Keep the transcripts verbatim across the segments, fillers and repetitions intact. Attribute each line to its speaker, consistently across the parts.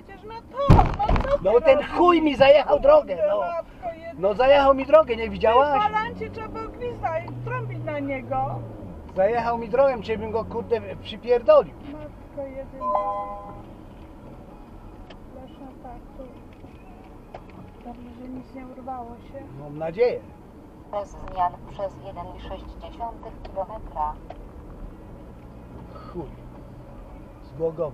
Speaker 1: jedziesz na to, no co ty
Speaker 2: No ten
Speaker 1: robisz?
Speaker 2: chuj mi zajechał drogę,
Speaker 1: Kurde,
Speaker 2: no.
Speaker 1: matko jedyna.
Speaker 2: No zajechał mi drogę, nie
Speaker 1: W
Speaker 2: widziałaś?
Speaker 1: balancie trzeba było gwizdać i trąbić na niego.
Speaker 2: Zajechał mi drogę, czy bym go kurde przypierdolił.
Speaker 1: Matko jedyna. Leszna tak, tu. Dobrze, że nic nie urwało się.
Speaker 2: Mam nadzieję.
Speaker 3: Bez zmian przez jeden i sześć kilometra.
Speaker 2: Chuj. Z Głogowa.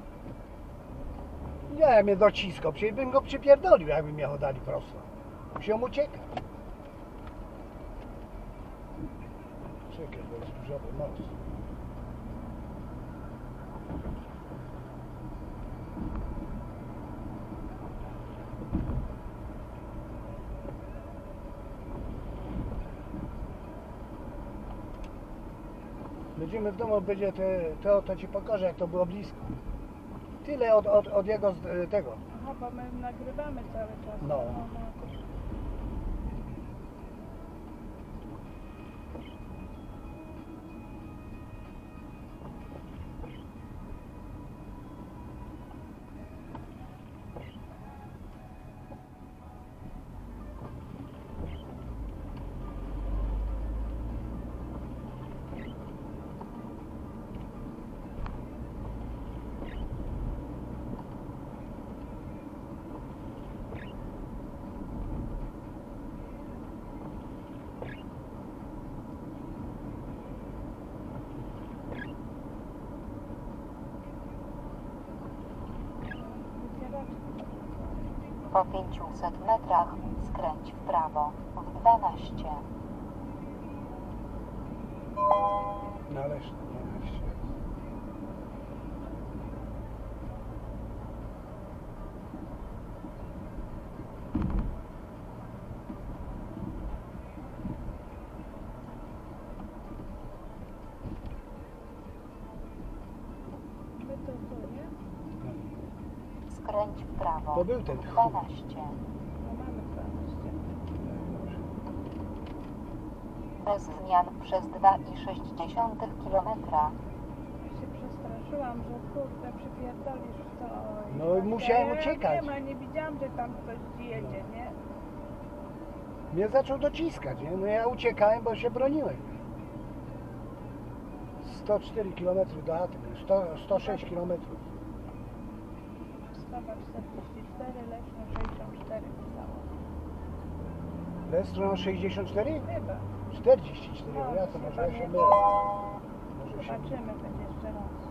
Speaker 2: Nie, mnie dociskał, przecież bym go przypierdolił, jakby mnie dali prosto. Musiał uciekać. Czekaj, bo jest dużowy most. Będziemy w domu, będzie te, to, to ci pokażę, jak to było blisko. Tyle od, od, od jego z- tego.
Speaker 1: Aha, bo my nagrywamy cały czas.
Speaker 2: No.
Speaker 3: Po pięciuset metrach skręć w prawo w dwanaście.
Speaker 2: Należy, dwanaście.
Speaker 1: My to tu, nie?
Speaker 3: Skręć w prawo
Speaker 2: To był ten
Speaker 3: w
Speaker 2: chuj.
Speaker 3: dwanaście.
Speaker 1: No mamy dwanaście.
Speaker 3: Bez zmian przez dwa i sześć kilometra.
Speaker 1: Ja się przestraszyłam, że kurde przypierdolisz w to. i
Speaker 2: No i
Speaker 1: tak
Speaker 2: musiałem
Speaker 1: dalej.
Speaker 2: uciekać.
Speaker 1: Ja nie ma, nie widziałam, że tam ktoś jedzie, nie?
Speaker 2: Mnie zaczął dociskać, nie? No ja uciekałem, bo się broniłem. sto cztery kilometry do chaty, sto, sto sześć kilometrów.
Speaker 1: Wstawa czterdzieści cztery, Leszno sześćdziesiąt cztery pisało.
Speaker 2: Lestro sześćdziesiąt cztery?
Speaker 1: Chyba.
Speaker 2: czterdzieści cztery,
Speaker 1: No,
Speaker 2: ja to może ja się
Speaker 1: chyba
Speaker 2: mylę. Może się mylę.
Speaker 1: Zobaczymy, będzie jeszcze raz.